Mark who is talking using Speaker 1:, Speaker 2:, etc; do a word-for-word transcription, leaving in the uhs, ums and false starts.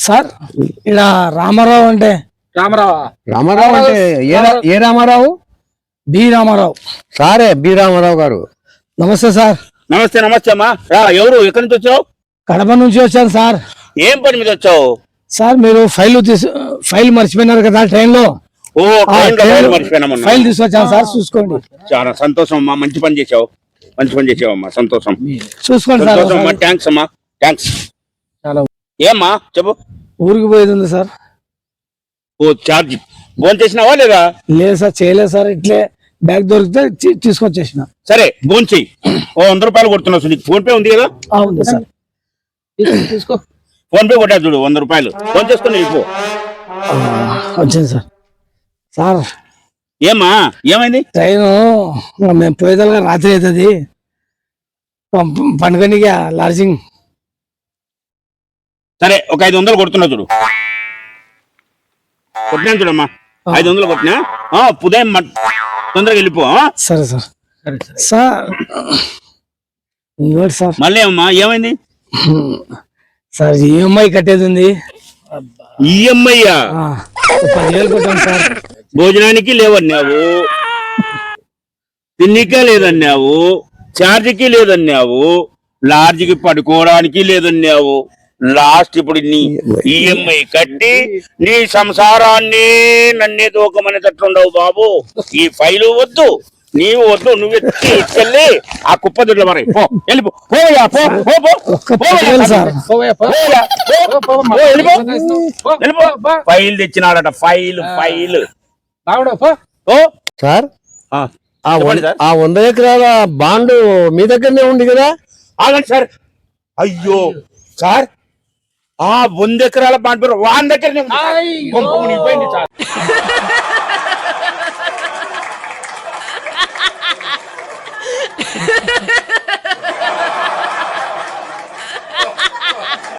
Speaker 1: Sir ఇలా రామారావు అంటే
Speaker 2: రామారావు
Speaker 3: రామారావు అంటే ఏ రా- ఏ రామారావు?
Speaker 1: బి రామారావు.
Speaker 3: సారే బి రామారావు గారు.
Speaker 1: నమస్తే సార్.
Speaker 2: నమస్తే నమస్తే అమ్మా. రా, ఎవరు ఎక్కడి నుంచి వచ్చావు?
Speaker 1: కడప నుంచి వచ్చాను సార్.
Speaker 2: ఏం పని మీద వచ్చావు?
Speaker 1: సార్ మీరు ఫైల్ తీసు ఫైల్ మర్చిపోయినారు కదా ట్రైన్ లో.
Speaker 2: ఓ ట్రైన్ లో ఫైల్ మర్చిపోయినా మొన్న.
Speaker 1: ఫైల్ తీసుకొచ్చాను సార్, చూసుకోండి.
Speaker 2: చాలా సంతోషం అమ్మా, మంచి పని చేసావు, మంచి పని చేసావు అమ్మా, సంతోషం
Speaker 1: చూసుకోండి సార్.
Speaker 2: సంతోషం అమ్మా. థ్యాంక్స్ అమ్మా, థ్యాంక్స్.
Speaker 1: చాలా
Speaker 2: ఏమ్మా చెప్పు.
Speaker 1: ఊరికి పోయేది ఉంది సార్.
Speaker 2: ఓ చార్జ్ ఫోన్ చేసినావా లేదా?
Speaker 1: లేదు సార్, చేయలేదు సార్. ఇట్లే బ్యాగ్ దొరికితే తీ- తీసుకొచ్చేసిన.
Speaker 2: సరే ఫోన్ చెయ్యి. ఓ వంద రూపాయలు కొడుతున్నావు, నీకు ఫోన్ పే ఉంది కదా?
Speaker 1: ఆ, ఉంది సార్.
Speaker 2: తీసుకో, ఫోన్ పే కొట్టా చూడు, వంద రూపాయలు ఫోన్ చేసుకుని వెళ్ళిపో.
Speaker 1: ఆ, వచ్చింది సార్. సార్
Speaker 2: ఏమ్మా ఏమైంది?
Speaker 1: ట్రైను మేము పోయేదాకా రాత్రి అవుతుంది. పండుగనికి లాడ్జింగ్.
Speaker 2: సరే ఒక ఐదు వందలు కొడుతున్నా చూడు. కొట్టినాను చూడమ్మా, ఐదు వందలు కొట్టినా. ఆ, ఉదయం మ- తొందరగా వెళ్ళిపో. ఆ?
Speaker 1: సరే సార్. సార్ ఇంకోటి సార్.
Speaker 2: మళ్ళీ అమ్మా ఏమైంది?
Speaker 1: సార్ ఈఎంఐ కట్టేది ఉంది.
Speaker 2: ఈఎంఐ
Speaker 1: ఆ, ఒక పదివేలు కొట్టాను సార్.
Speaker 2: భోజనానికి లేవన్నావు, తిన్నికే లేదన్నావు, ఛార్జీకి లేదన్నావు, లాడ్జికి పడుకోవడానికి లేదన్నావు. లాస్ట్ ఇప్పుడు నీ ఈఎంఐ కట్టి నీ సంసారాన్ని నన్నే దూకమనేటట్లుండవు బాబు. ఈ ఫైలు వద్దు, నీవు వద్దు, నువ్వు వెళ్ళి ఆ కుప్ప దుడ్ల మరి పో, వెళ్ళిపో. పోయా, పో, పో, పో.
Speaker 1: ఒక్క పదివేలు సార్.
Speaker 2: పోయా, పో, పో, వెళ్ళిపో. వెళ్ళిపో. ఫైల్ తెచ్చినాడట, ఫైల్ ఫైల్. ఓ
Speaker 3: సార్
Speaker 2: ఆ,
Speaker 3: ఆ
Speaker 2: చెప్పండి
Speaker 3: వం-
Speaker 2: సార్.
Speaker 3: ఆ వంద ఎకరాల బాండ్ మీ దగ్గరనే ఉంది కదా?
Speaker 2: ఆగండి సార్. అయ్యో సార్, ఆ వంద ఎకరాల బాండ్ పేరు వాన్ దగ్గరనే ఉంది సార్. కొంప మునిగిపోయింది సార్.